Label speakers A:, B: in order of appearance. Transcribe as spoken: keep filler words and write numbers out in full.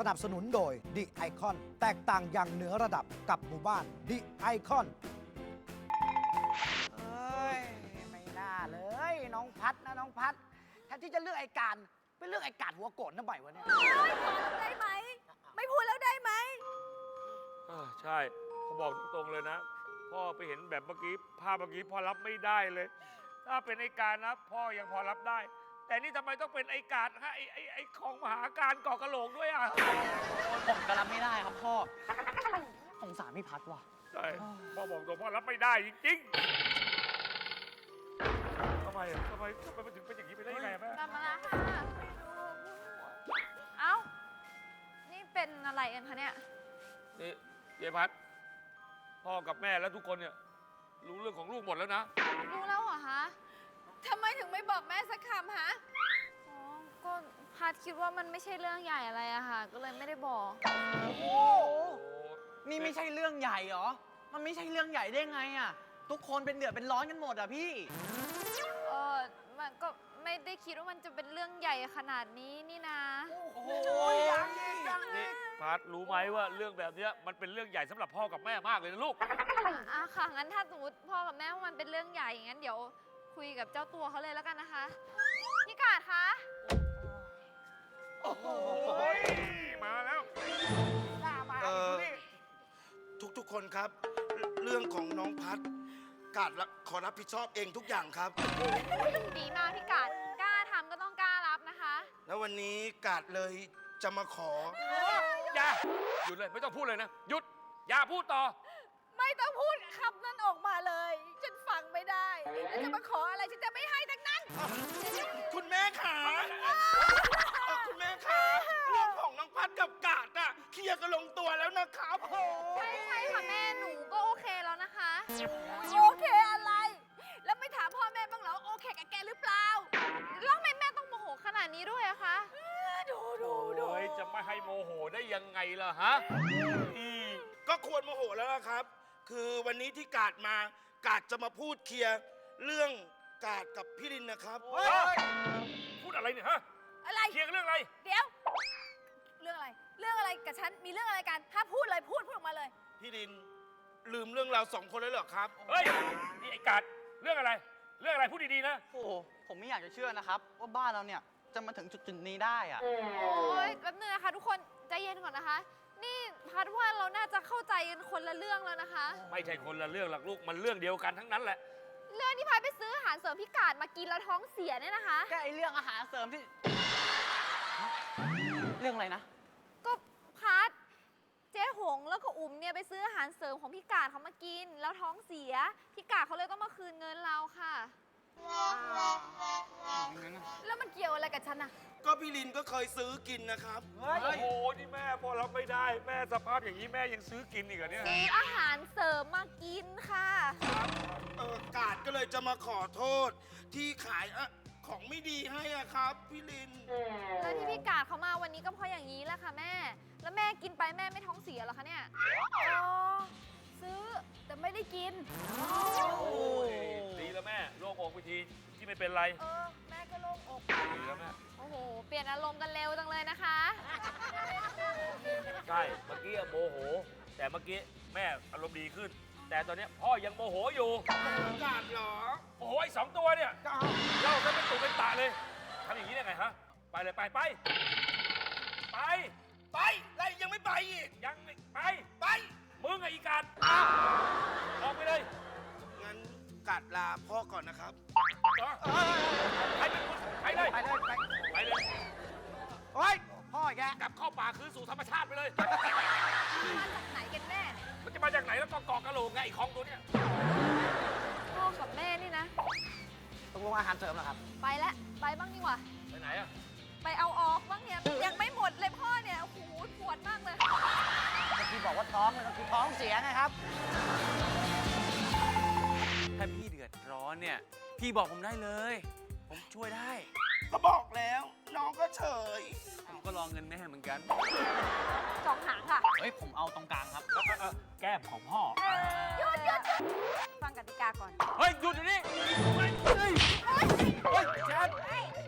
A: นับสนุนโดย The Icon แตกต่างอย่างเหนือระดับกับหมู่บ้าน The Icon
B: เอ้ยไม่น่าเลยน้องพัดนะน้องพัดแทนที่จะเลือกไอ้การไปเลือกไอ้กาดหัวโกรธนะบ่อยวะเนี่ย
C: เฮ้ยพอแล้วได้ไหม ไม่พูดแล้วได้ไหม
D: เออใช่เขาบอกตรงๆเลยนะ พ่อไปเห็นแบบเมื่อกี้ภาพเมื่อกี้พ่อรับไม่ได้เลย ถ้าเป็นไอ้การนะพ่อยังพอรับได้ แต่นี่ทำไมต้องเป็นไอ้การฮะไอ้ไอ้ไอ้ของมหาการก่อกระโหลกด้วยอ่ะ
E: ผมก็รับไม่ได้ครับพ่อ สงสารพี่พัดว่ะ
D: ใช่พ่อบอกตรงพ่อรับไม่ได้จริงๆทำไมอ่ะทำไมทำไมมันถึงเป็นอย่างนี้ไปได้ยังไงอะแม่
C: กลับมาแล้วค่ะเอ้า นี่เป็นอะไรกันคะเนี่ย
D: นี่เยพัดพ่อกับแม่และทุกคนเนี่ยรู้เรื่องของลูกหมดแล้วนะ
C: รู้แล้วเหรอคะทำไมถึงไม่บอกแม่สักคำฮะอ๋อ ก็พัดคิดว่ามันไม่ใช่เรื่องใหญ่อะไรอะค่ะ ก็เลยไม่ได้บอก
E: โอ้โห นี่ไม่ใช่เรื่องใหญ่เหรอ มันไม่ใช่เรื่องใหญ่ได้ไงอ่ะ ทุกคนเป็นเดือดเป็นร้อนกันหมดอ่ะพี่
C: เออมันก็ไม่ได้คิดว่ามันจะเป็นเรื่องใหญ่ขนาดนี้นี่นะ
B: โอ้ยยังอีกยังอี
D: นี่
B: ก
D: พัดรู้ไหมว่าเรื่องแบบเนี้ยมันเป็นเรื่องใหญ่สำหรับพ่อกับแม่มากเลยนะลูก
C: อ่ะค่ะ งั้นถ้าสมมติพ่อกับแม่ว่ามันเป็นเรื่องใหญ่งั้นเดี๋ยวคุยกับเจ้าตัวเขาเลยแล้วกันนะคะ พี่กาดคะ
D: โอ้โหมาแล้ว
B: หน้ามา
F: เอ่
B: อีก
F: อ
B: นี่
F: ทุกๆคนครับ เรื่องของน้องพัดกาดรับขอรับผิดชอบเองทุกอย่างครับ
C: ดีมากพี่กาดกล้าทำก็ต้องกล้ารับนะคะ
F: แล้ววันนี้กาดเลยจะมาขอ
D: อย่าหยุดเลยไม่ต้องพูดเลยนะหยุดอย่าพูดต่อ
C: ไม่ต้องพูดคำนั้นออกมาเลย ฉันฟังไม่ได้แล้วจะมาขออะไรฉันจะไม่ให้ทั้งนั้น
F: คุณแม่ขาเอ่อคุณแม่ขาเรื่องของน้องพัดกับกาดน่ะเคลียร์กันลงตัวแล้วนะครับโอ้
C: ไม่ใช่ค่ะแม่หนูก็โอเคแล้วนะคะ โอเคอะไร แล้วไม่ถามพ่อแม่บ้างเหรอโอเคกับแกหรือเปล่าแล้วทำไมแม่ต้องโมโหขนาดนี้ด้วยอะคะดูดูดู
D: โอ้ยจะไม่ให้โมโหได้ยังไงล่ะฮะอืม
F: ก็ควรโมโหแล้วนะครับ คือวันนี้ที่กาดมากาดจะมาพูดเคลียร์เรื่องกาดกับพี่ลินนะครับ
D: เฮ้ยพูดอะไรเนี่ยฮะ
C: อะไร
D: เคลียร์กันเรื่องอะไร
C: เดี๋ยว เรื่องอะไร เรื่องอะไรกับฉัน มีเรื่องอะไรกัน ถ้าพูดเลยพูดพูดออกมาเลย
F: พี่ลินลืมเรื่องเราสองคนแล้วเหรอครับ
D: เฮ้ยนี่ไอ้กาดเรื่องอะไร เรื่องอะไรพูดดีๆนะ
E: โอ้โห ผมไม่อยากจะเชื่อนะครับ ว่าบ้านเราเนี่ยจะมาถึงจุดๆนี้ได้อ่ะ
C: โอ้ยแป๊บนึงนะคะทุกคนใจเย็นก่อนนะคะ นี่พัดว่าเราน่าจะเข้าใจกันคนละเรื่องแล้วนะคะ
D: ไม่ใช่คนละเรื่องหรอกลูกมันเรื่องเดียวกันทั้งนั้นแหละ
C: เรื่องที่พัดไปซื้ออาหารเสริมพิกาดมากินแล้วท้องเสียเนี่ยนะคะ
E: แค่ไอเรื่องอาหารเสริมที่ เรื่องอะไรนะ
C: ก็พัดเจ๊หงแล้วก็อุ๋มเนี่ยไปซื้ออาหารเสริมของพิกาดเขามากิน แล้วท้องเสียพิกาดเขาเลยต้องมาคืนเงินเราค่ะ แล้วมันเกี่ยวอะไรกับฉันอะ
F: ก็พี่ลินก็เคยซื้อกินนะครับ
B: เฮ้ย
D: โอ้โหนี่แม่พอรับไม่ได้แม่สภาพอย่างนี้แม่ยังซื้อกินอีกเหรอเนี่ย
C: ซื้ออาหารเสริมมากินค่ะ
F: เออกาดก็เลยจะมาขอโทษ ที่ขายอะของไม่ดีให้อะครับ พี่ลิน
C: แล้วที่พี่กาดเขามาวันนี้ก็เพราะอย่างนี้แหละค่ะแม่ แล้วแม่กินไปแม่ไม่ท้องเสียเหรอคะเนี่ย อ๋อ ซื้อแต่ไม่ได้กิน
D: โอ้ยดีแล้วแม่โล่งอกไปทีที่ไม่เป็นไร
C: เออ แม่ก็โล่งอก
D: ดีแล้วแม่
C: โอ้โห เปลี่ยนอารมณ์กันเร็วจังเลยนะคะ
D: ใช่เมื่อกี้โมโห แต่เมื่อกี้แม่อารมณ์ดีขึ้น แต่ตอนเนี้ยพ่อยังโมโหอยู่
F: กาดเหรอ
D: โอ้โหไอ้สองตัวเนี่ยเล่าซะเป็นตุเป็นตะเลยทำอย่างนี้ได้ไงฮะไปเลยไปไปไป
F: ไปแล้วยังไม่ไปอีก
D: ยังไม่ไป
F: ไป
D: มึงไอ้อีกาดออกไปเลย
F: งั้นกาดลาพ่อก่อนนะครับ
D: เหรอไปเป็นคนไปเลย
B: ไปเลยไป
D: ไปเลย
B: โอ้ยพ่อแก
D: กลับเข้าป่าคืนสู่ธรรมชาติไปเลย
C: มาจากไหนกันแน่เนี่ย
D: มันจะมาจากไหนแล้วก็กอกกระโหลกไงไอ้ของตัวเนี้ย
C: พ่อกับแม่นี่นะ
B: ตกลงอาหารเสริมเหรอครับ
C: ไปแล้วไปบ้างดีกว่า
D: ไปไหนอะ
C: ไปเอาออกบ้างเนี่ย ยังไม่หมดเลยพ่อเนี่ย โอ้โหปวดมากเลย
B: เมื่อกี้บอกว่าท้องมันคือท้องเสียนะครับ
E: ถ้าพี่เดือดร้อนเนี่ย พี่บอกผมได้เลย ผมช่วยได้
F: ก็บอกแล้ว น้องก็เฉย
E: ผมก็รอเงินแม่เหมือนกัน
C: สองหางค่ะ
E: เฮ้ย ผมเอาตรงกลางครับ
D: แก้มของพ่อ
C: หยุดหยุดหยุดฟังกติกาก่อน
E: เฮ้ย หยุดอยู่นี่เฮ้ยเฮ้ยเฮ้ยแจ๊ด